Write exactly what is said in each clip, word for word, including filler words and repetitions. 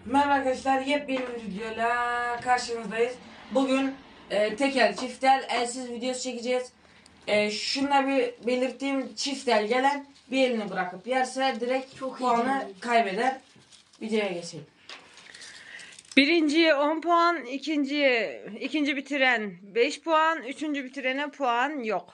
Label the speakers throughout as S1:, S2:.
S1: Merhaba arkadaşlar, yepyeni bir videoyla karşınızdayız. Bugün e, tekel, çiftel, elsiz videosu çekeceğiz. E, şunla bir belirttiğim, çiftel gelen bir elini bırakıp yerse direkt
S2: Çok
S1: puanı kaybeder. Videoya geçelim.
S3: Birinciye on puan, ikinciye ikinci bitiren beş puan, üçüncü bitirene puan yok.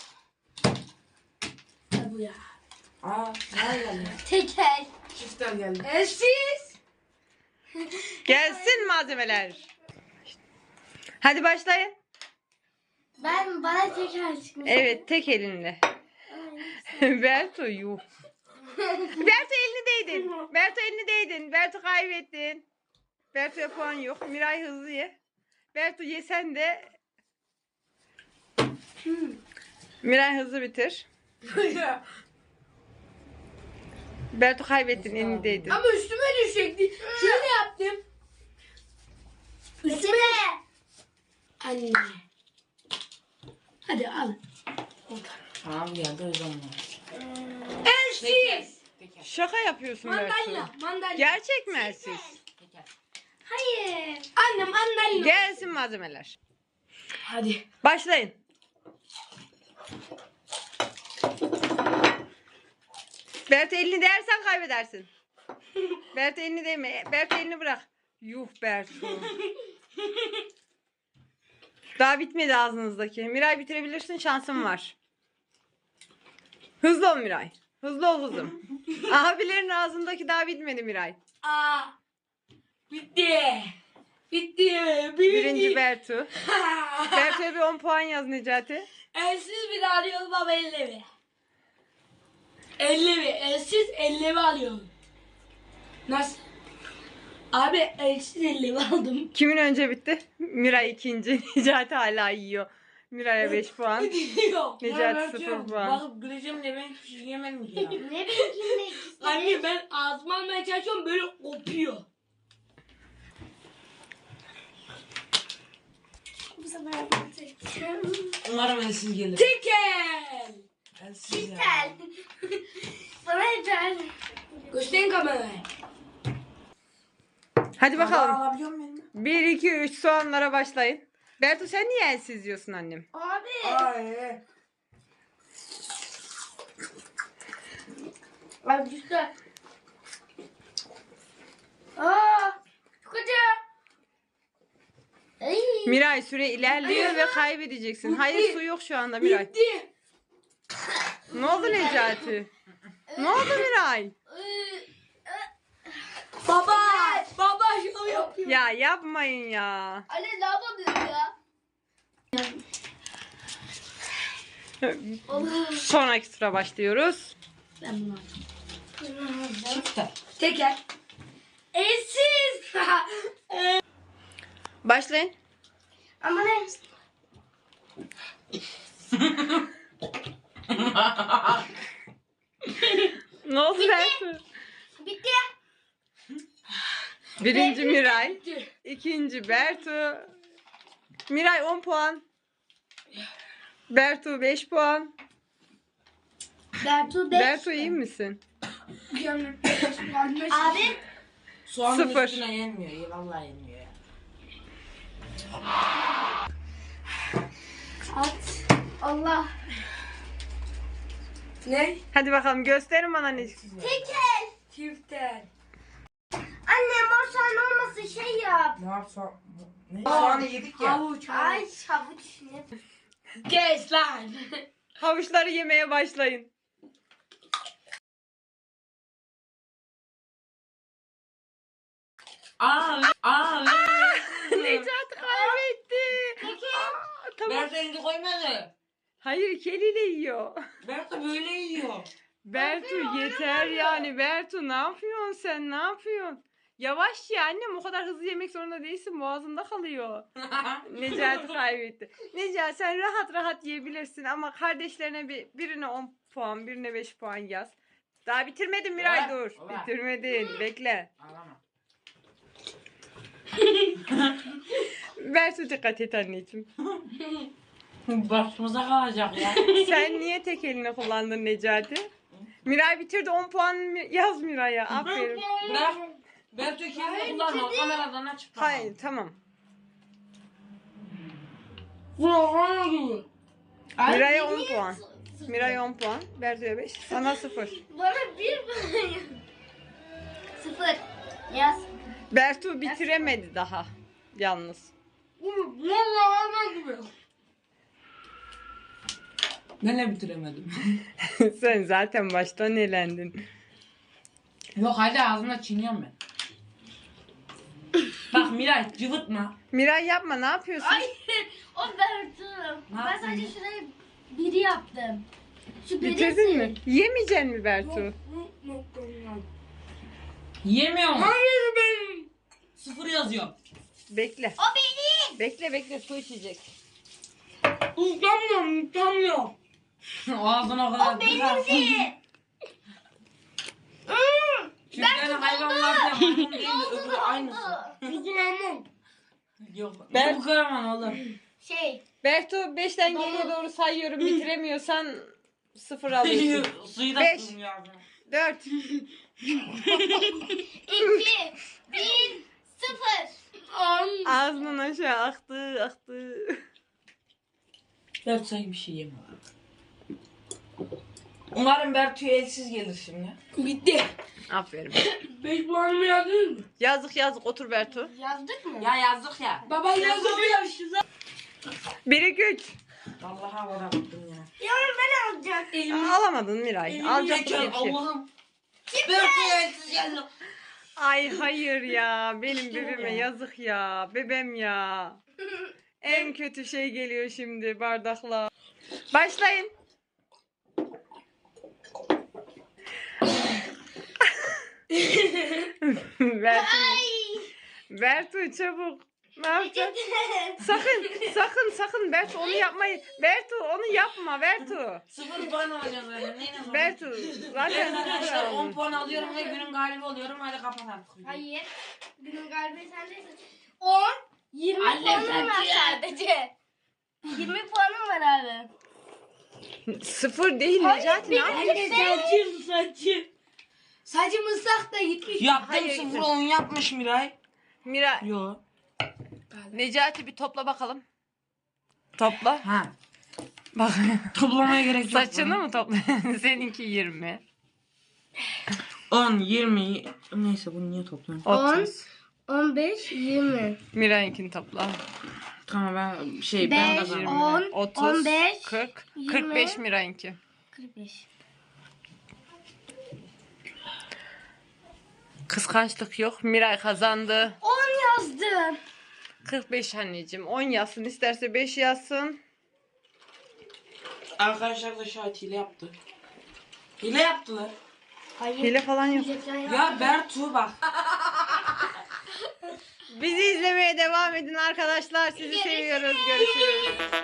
S2: Bu ya.
S1: Aa, ne geldi?
S2: Tekel.
S1: Çiftel geldi.
S2: Elsiz.
S3: Gelsin malzemeler. Hadi başlayın.
S2: Ben bana tekel çıkmış.
S3: Evet, tek elinle. Berto yuh. Berto elini değdin. Berto elini değdin. Berto kaybettin. Berto'ya puan yok. Miray hızlı ye. Berto yesen de. Miray hızlı bitir. Berto kaybettin, elini değdin.
S2: Ama üstüme düşecekti. Şöyle yaptım. Üstüme. Anne. Hadi al.
S1: Tamam geldi o zaman.
S2: Elsiz.
S1: Tekel.
S3: Şaka yapıyorsun Berto.
S2: Mandalina. Mandalina.
S3: Gerçek mi elsiz?
S1: Tekel.
S2: Hayır. Annem mandalina.
S3: Gelsin malzemeler.
S1: Hadi.
S3: Başlayın. Berto elini değersen kaybedersin. Berto elini değme. Berto elini bırak. Yuh Berto. Daha bitmedi ağzınızdaki. Miray bitirebilirsin, şansın var. Hızlı ol Miray. Hızlı ol kızım. Abilerin ağzındaki daha bitmedi Miray.
S2: Aa. Bitti. Bitti.
S3: Birinci Berto. Berto'ya bir on puan yaz Necati.
S2: Elsiz bir alıyorum ama elli mi? elli mi? Elsiz elli mi alıyorum? Nasıl? Abi elsiz elli mi aldım?
S3: Kimin önce bitti? Miray ikinci. Necati hala yiyor. Miray'a beş puan.
S2: Gidiyor.
S3: Necati sıfır puan.
S1: Bakıp güleceğim de ben hiçbir şey yemedim ki ya.
S2: Ne bileyim ne Anne ben ağzıma almaya çalışıyorum böyle kopuyor. Bu sefer yapacağım.
S1: Umarım elsiz gelir.
S2: Tekel.
S1: Elsiz ya.
S2: Tekel. Bana yeter. Gösterin kamerayı.
S3: Hadi bakalım.
S1: Alabiliyor muyum?
S3: bir, iki, üç soğanlara başlayın. Bertu sen niye elsiz diyorsun annem?
S2: Abi.
S1: Ay.
S2: Abi güzel. Aa, çok acı. Ay.
S3: Miray süre ilerliyor ve kaybedeceksin. Hayır, su yok şu anda Miray.
S2: Bitti.
S3: Ne oldu Necati? Ne oldu Miray?
S2: Baba. Baba şunu yapıyor.
S3: Ya yapmayın ya.
S2: Anne ne yapabilirim ya? Allah.
S3: Sonraki tura başlıyoruz.
S2: Ben bunu alacağım.
S1: Çiftel.
S2: Teker. Elsiz.
S3: Başlayın.
S2: Ama ne?
S3: Ne oldu Bertu?
S2: Bitti.
S3: Birinci Miray.
S2: Bitti.
S3: İkinci Bertu. Miray on puan. Bertu beş puan.
S2: Bertu beş.
S3: Bertu iyi misin?
S2: Abi.
S1: Soğanın
S3: Sıfır.
S1: üstüne yenmiyor. Ya, vallahi yenmiyor ya.
S2: At. Allah. Ne?
S3: Hadi bakalım gösterin bana ne.
S2: Tekel. Çiftel. Anne mor soğan olmasın şey yap.
S1: Ne yap soğan? Ne? Soğanı yedik ya.
S2: Havuç. Ay havuç ne? Kes lan.
S3: Havuçları yemeye başlayın.
S1: Aa, aa,
S3: Necati kaybetti. Aa, tamam.
S1: Berto elini koymadı.
S3: Hayır, iki eliyle yiyor.
S1: Berto böyle yiyor.
S3: Bertu yeter yani. Bertu ne yapıyorsun sen? Ne yapıyorsun? Yavaş ye annem, o kadar hızlı yemek zorunda değilsin. Boğazında kalıyor. Necati kaybetti. Necati sen rahat rahat yiyebilirsin ama kardeşlerine bir birine on puan, birine beş puan yaz. Daha bitirmedin Miray,
S1: Ola,
S3: dur.
S1: ola.
S3: Bitirmedin. Bekle.
S1: Ağlama.
S3: Bertu dikkat et anneciğim.
S1: Başımıza kalacak ya.
S3: Sen niye tek elini kullandın Necati? Miray bitirdi, on puan yaz Miray'a. Aferin.
S1: Bırak. Bertu kendini kullanma. Kameradan açıp bak.
S3: Hayır tamam. Miray'a on puan. Miray'a on puan. Bertu'ya beş. Sana sıfır.
S4: Bana bir puan. Sıfır. Yaz.
S3: Bertu bitiremedi daha. Yalnız.
S1: Ben de bitiremedim.
S3: Sen zaten baştan elendin.
S1: Yok hadi ağzına çiğniyorum ben. Bak Miray cıvıtma.
S3: Miray yapma, ne yapıyorsun?
S4: Hayır. O Bertu.
S1: Ne
S4: Ben
S1: yaptın?
S4: sadece şuraya biri yaptım. Şu birisi.
S3: Bitirdin mi? Yemeyeceksin mi Bertu?
S1: Yemiyor mu?
S2: Hayır benim.
S1: Sıfır yazıyor.
S3: Bekle.
S4: O benim.
S3: Bekle bekle, su içecek.
S2: Utanmıyorum, utanmıyorum.
S1: Ağzına o kadar
S4: O benimdi.
S1: Çünkü yani hayvanlarda maymun değil de öbürü aynısı.
S2: Utanmam.
S1: Yok.
S3: Ben-
S1: Ben bu karaman oğlum.
S4: Şey.
S3: Bertu beşten geriye doğru sayıyorum. Bitiremiyorsan sıfır alıyorsun.
S1: Suyu da
S3: Beş.
S1: sığmıyor ağzına.
S3: Dört.
S4: İki. Bir. Sıfır.
S3: Ağzından aşağı aktı aktı.
S1: Bertu sanki bir şey yemiyor. Umarım Bertu'ya elsiz gelir şimdi.
S2: Bitti.
S3: Aferin.
S2: Beş puanımı yazdınız mı?
S3: Yazık yazık, otur Bertu.
S4: Yazdık mı?
S1: Ya yazdık ya.
S2: Baba yazılıyor.
S3: Bir iki üç.
S1: Vallahi havada baktım ya.
S4: Yarın ben alacağım.
S3: Alamadın Miray. Alacaktın
S1: Geçer
S3: bir şey.
S1: Allah'ım. Bertu'ya elsiz geldi.
S3: Ay hayır ya. Benim bebeğime yazık ya. Bebem ya. En kötü şey geliyor şimdi bardakla. Başlayın. Bertu. Bertu çabuk. Ne yapacaksın? Sakın, sakın, sakın Bertu onu yapmayın. Bertu onu yapma Bertu.
S1: Sıfır puan alacağız öyle. Neyle var?
S3: Bertu zaten
S1: Evet arkadaşlar
S3: sıfır
S1: on
S3: aldın.
S1: puan alıyorum ve günün galibi oluyorum. Hadi kapat artık. videoyu.
S4: Hayır. Günün galibi sendesin. On. Yirmi
S1: Anne
S4: puanım var
S1: sen-
S4: sadece. Yirmi puanım var abi.
S3: Sıfır değil Necati, ne yapıyorsun?
S2: Saçım saçım. Saçım ıslak da gitmiş.
S1: Yaptım
S3: Hayır,
S1: sıfır
S3: gitmez.
S1: on yapmış Miray.
S3: Mira,
S1: Yo.
S3: Necati bir topla bakalım. Topla.
S1: Ha. Bak toplamaya gerek yok.
S3: Saçını mı topla? Seninki yirmi.
S1: on, yirmi. Neyse bunu niye topluyorum?
S3: otuz.
S4: On beş, yirmi.
S3: Miray'ınkini topla.
S1: Tamam ben şey ben
S4: Beş,
S1: kazandım.
S4: on,
S3: otuz,
S4: on beş,
S3: kırk,
S4: yirmi.
S3: kırk beş Miray'ınki.
S4: Kırk beş.
S3: Kıskançlık yok. Miray kazandı.
S4: On yazdım.
S3: kırk beş anneciğim. on yazsın. İsterse beş yazsın.
S1: Arkadaşlar da şahit hile yaptı. Hile yaptılar.
S4: Hayır.
S3: Hile falan yok.
S1: Ya Bertu bak.
S3: Bizi izlemeye devam edin arkadaşlar. Sizi seviyoruz. Görüşürüz.